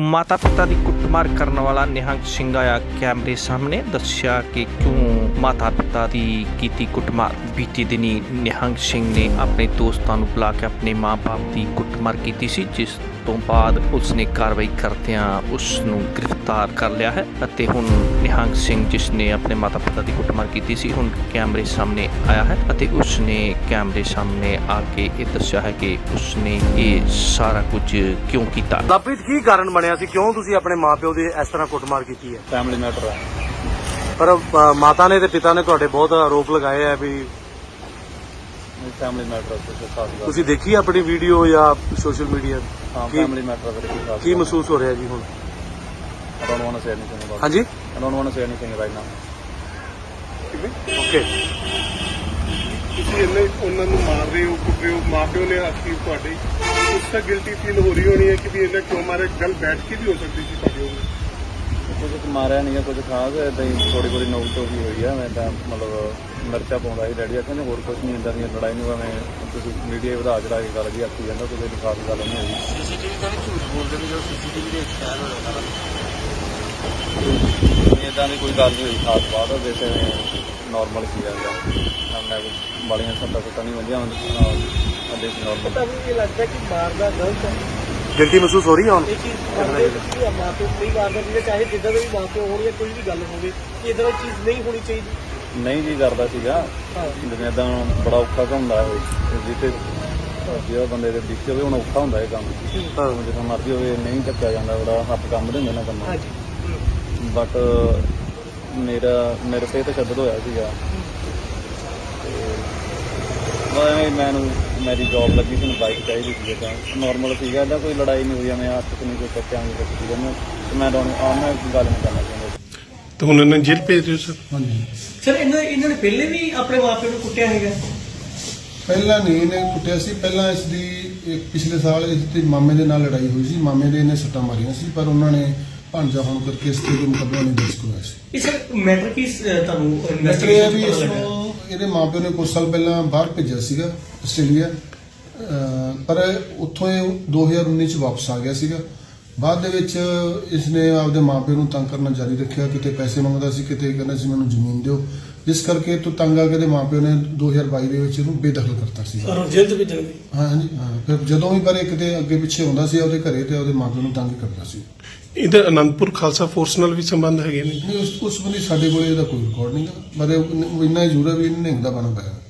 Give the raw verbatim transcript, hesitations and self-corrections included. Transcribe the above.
माता पिता की कुटमार करने वाला निहंग सिंह आया कैमरे सामने, दस्या कि क्यों माता पिता की कीती कुटमार। बीते दिनी निहंग सिंह ने अपने दोस्तों को बुला के अपने माँ बाप की कुटमार की सी, जिस तो बाद उसने कार्रवाई करदियां उसनूं गिरफ्तार कर लिया है। अते हुण निहंग सिंह जिसने अपने माता पिता की कुटमार की सी हुण कैमरे सामने आया है अते उसने कैमरे सामने आके ये दस्या है कि उसने ये सारा कुछ क्यों किया। लवप्रीत की कारण बनया सी, क्यों तुसी अपने माँ प्यो की इस तरह कुटमार की है? फैमिली मैटर है। पर अ, माता ने ते पिता ने तुहाडे बहुत आरोप लगाए है भी फैमिली मैटर है खास गल। तुसी देखी अपनी वीडियो या सोशल मीडिया? हाँ की- फैमिली मैटर है की खास की महसूस हो रहा जी हुण? I don't want to say anything about हाँ जी it. I don't want to say anything right now. Okay. ਤੁਸੀਂ ਇੰਨੇ ਉਹਨਾਂ ਨੂੰ ਮਾਰ ਰਹੇ ਹੋ, ਕੁੱਟ ਰਹੇ ਹੋ, ਮਾਂ ਪਿਓ ਨੇ ਆਖੀ ਤੁਹਾਡੇ ਉਸ ਤਾਂ ਗਿਲਟੀ ਫੀਲ ਹੋ ਰਹੀ ਹੋਣੀ ਹੈ ਕਿ ਵੀ ਇਹਨਾਂ ਕਿਉਂ ਮਾਰੇ। ਗੱਲ ਬੈਠ ਕੇ ਵੀ ਹੋ ਸਕਦੀ ਸੀ ਤੁਹਾਡੇ ਉਹ। ਕੁਝ ਮਾਰਿਆ ਨਹੀਂ ਹੈ, ਕੁਝ ਖਾਸ ਇਦਾਂ ਹੀ ਥੋੜੀ ਬੋੜੀ ਨੋਕ ਤੋਂ ਹੀ ਹੋਈ ਆ। ਮੈਂ ਤਾਂ ਮਤਲਬ ਮਿਰਚਾ ਪਾਉਂਦਾ ਸੀ ਡੈਡੀ ਆਖਿਆ ਹੋਰ ਕੁਝ ਨਹੀਂ, ਇੱਦਾਂ ਦੀਆਂ ਲੜਾਈ ਨੂੰ ਐਵੇਂ ਤੁਸੀਂ ਮੀਡੀਆ ਵਧਾ ਚੜਾ ਕੇ ਗੱਲ ਜੀ ਆਖੀ ਜਾਂਦਾ, ਕੋਈ ਐਡੀ ਖਾਸ ਗੱਲ ਨਹੀਂ ਹੋਈ। ਸੀਸੀਟੀਵੀ ਤਾਂ ਨਹੀਂ ਝੂਠ ਬੋਲਦੇ ਵੀ ਜੋ ਸੀਸੀਟੀਵੀ ਦੇ ਖਿਆਲ ਹੋ ਰਿਹਾ ਇੱਦਾਂ ਦੀ ਕੋਈ ਗੱਲ ਨਹੀਂ ਹੋਈ ਖਾਸ ਬਾਤ, ਵੈਸੇ ਨੋਰਮਲ ਸੀ ਜਾਂਦਾ। ਮੈਂ ਬਾਲੀਆਂ ਸੱਟਾਂ ਸੁੱਟਾਂ ਨਹੀਂ ਵੰਦੀਆਂ ਅੱਡੇ ਸੀ ਨੋਰਮਲ। ਤੁਹਾਨੂੰ ਇਹ ਲੱਗਦਾ ਕਿ ਮਾਰਨਾ ਗਲਤ ਹੈ? गिल्टी महसूस हो रही है हुण? ਇਹ ਚੀਜ਼ ਕਰਦੇ ਕਿ ਮਾਂ ਪਿਓ ਨਹੀਂ ਮਾਰਦਾ ਜਿਹਦੇ ਚਾਹੇ ਜਿੱਦਾਂ ਦੇ ਵੀ ਮਾਂ ਪਿਓ ਹੋਣ ਜਾਂ ਕੋਈ ਵੀ ਗੱਲ ਹੋਵੇ ਕਿ ਇੱਦਾਂ ਦੀ ਚੀਜ਼ ਨਹੀਂ ਹੋਣੀ ਚਾਹੀਦੀ। ਨਹੀਂ ਜੀ ਕਰਦਾ ਸੀਗਾ ਹਾਂ ਜਿਵੇਂ ਇਦਾਂ ਬੜਾ ਔਖਾ ਹੁੰਦਾ ਹੈ ਜਿੱਤੇ ਜਿਹੜਾ ਬੰਦੇ ਦੇ ਵਿੱਚ ਹੋਵੇ ਹੁਣ ਔਖਾ ਹੁੰਦਾ ਇਹ ਕੰਮ। ਹਾਂ। ਜਦੋਂ ਮਰਜ਼ੀ ਹੋਵੇ ਨਹੀਂ ਚੱਕਿਆ ਜਾਂਦਾ, ਬੜਾ ਹੱਥ ਕੰਮ ਦੇ ਹੁੰਦੇ ਨਾ ਕੰਮ। ਹਾਂਜੀ ਬਟ ਮੇਰਾ ਮੇਰੇ ਤੇ ਤਸ਼ੱਦਦ ਹੋਇਆ ਸੀਗਾ ਤੇ ਮੈਨੂੰ ਮੇਰੀ ਜੌਬ ਲੱਗੀ ਸੀ, ਮੈਨੂੰ ਬਾਈਕ ਚਾਹੀਦੀ ਸੀ, ਤਾਂ ਨੋਰਮਲ ਸੀਗਾ, ਇਹਦਾ ਕੋਈ ਲੜਾਈ ਨਹੀਂ ਹੋਈ। ਮੈਂ ਹੱਥ 'ਚ ਨਹੀਂ ਕੋਈ ਚੱਕਿਆ ਨਹੀਂ ਕੁਛ ਸੀਗਾ ਮੈਂ ਤੇ ਮੈਂ ਤੁਹਾਨੂੰ ਆਹ ਮੈਂ ਗੱਲ ਨਹੀਂ ਕਰਨਾ ਚਾਹੁੰਦਾ। ਤਾਂ ਹੁਣ ਇਹਨਾਂ ਜੇਲ੍ਹ ਭੇਜ ਦਿਓ ਸਰ। ਹਾਂਜੀ ਸਰ ਇਹਨਾਂ ਇਹਨਾਂ ਨੇ ਪਹਿਲੇ ਵੀ ਆਪਣੇ ਮਾਂ ਪਿਓ ਨੂੰ ਕੁੱਟਿਆ ਹੈਗਾ? ਪਹਿਲਾਂ ਨਹੀਂ ਇਹਨੇ ਕੁੱਟਿਆ ਸੀ, ਪਹਿਲਾਂ ਇਸ ਦੀ ਇੱਕ ਪਿਛਲੇ ਸਾਲ ਇਸ ਦੇ ਮਾਮੇ ਦੇ ਨਾਲ ਲੜਾਈ ਹੋਈ ਸੀ। ਮਾਮੇ ਦੇ ਇਹਨੇ ਸੱਟਾਂ ਮਾਰੀਆਂ ਸੀ, ਪਰ ਉਹਨਾਂ ਨੇ ਭਾਂਜਾ ਹੋਣ ਕਰਕੇ ਇਸ ਤੇ ਕੋਈ ਮੁਕੱਦਮਾ ਨਹੀਂ ਦਰਜ ਕਰਵਾਇਆ ਸੀ। ਇਹ ਸਰ ਮੈਟਰ ਕੀ ਅਹ, ਤੁਹਾਨੂੰ ਮੈਟਰ ਇਹ ਹੈ ਇਨਵੈਸਟੀਗੇਸ਼ਨ ਵੀ ਪਤਾ ਇਸ ਲੱਗਾ? ਨੂੰ ਇਹਦੇ ਮਾਪਿਓ ਨੇ ਕੁਝ ਸਾਲ ਪਹਿਲਾਂ ਬਾਹਰ ਭੇਜਿਆ ਸੀਗਾ ਆਸਟ੍ਰੇਲੀਆ, ਅਹ ਪਰ ਉੱਥੋਂ ਇਹ ਦੋ ਹਜ਼ਾਰ ਉੱਨੀ 'ਚ ਵਾਪਸ ਆ ਗਿਆ ਸੀਗਾ। ਬਾਅਦ ਦੇ ਵਿੱਚ ਇਸਨੇ ਆਪਦੇ ਮਾਪਿਓ ਨੂੰ ਤੰਗ ਕਰਨਾ ਜਾਰੀ ਰੱਖਿਆ, ਕਿਤੇ ਪੈਸੇ ਮੰਗਦਾ ਸੀ, ਕਿਤੇ ਕਹਿੰਦਾ ਸੀ ਮੈਨੂੰ ਜ਼ਮੀਨ ਦਿਓ, ਜਿਸ ਕਰਕੇ ਤੋਂ ਤੰਗ ਆ ਕੇ ਇਹਦੇ ਮਾਪਿਓ ਨੇ ਦੋ ਹਜ਼ਾਰ ਬਾਈ ਦੇ ਵਿੱਚ ਇਹਨੂੰ ਬੇਦਖਲ ਕਰਤਾ ਸੀਗਾ। ਔਰ ਜੇਲ੍ਹ ਤੋਂ ਭੇਜਣ ਦੀ? ਹਾਂ ਹਾਂਜੀ ਹਾਂ। ਫਿਰ ਜਦੋਂ ਵੀ ਪਰ ਇਹ ਕਿਤੇ ਅੱਗੇ ਪਿੱਛੇ ਹੁੰਦਾ ਸੀ ਉਹਦੇ ਘਰੇ ਤੇ ਉਹਦੇ ਮਾਪਿਓ ਨੂੰ ਤੰਗ ਕਰਦਾ ਸੀ। ਇਹਦਾ ਅਨੰਦਪੁਰ ਖਾਲਸਾ ਫੋਰਸ ਨਾਲ ਵੀ ਸੰਬੰਧ ਹੈਗੇ ਨੇ? ਨਹੀਂ ਉਸ ਉਸ ਬੰਦੇ ਸਾਡੇ ਕੋਲੇ ਇਹਦਾ ਕੋਈ ਰਿਕਾਰਡ ਨਹੀਂ ਗਾ, ਪਰ ਇਹ ਇੰਨਾ ਹੀ ਜ਼ਰੂਰ ਹੈ ਵੀ ਇਹਨੇ ਨਿਹੰਗ ਦਾ ਬਣਾ ਪਿਆ।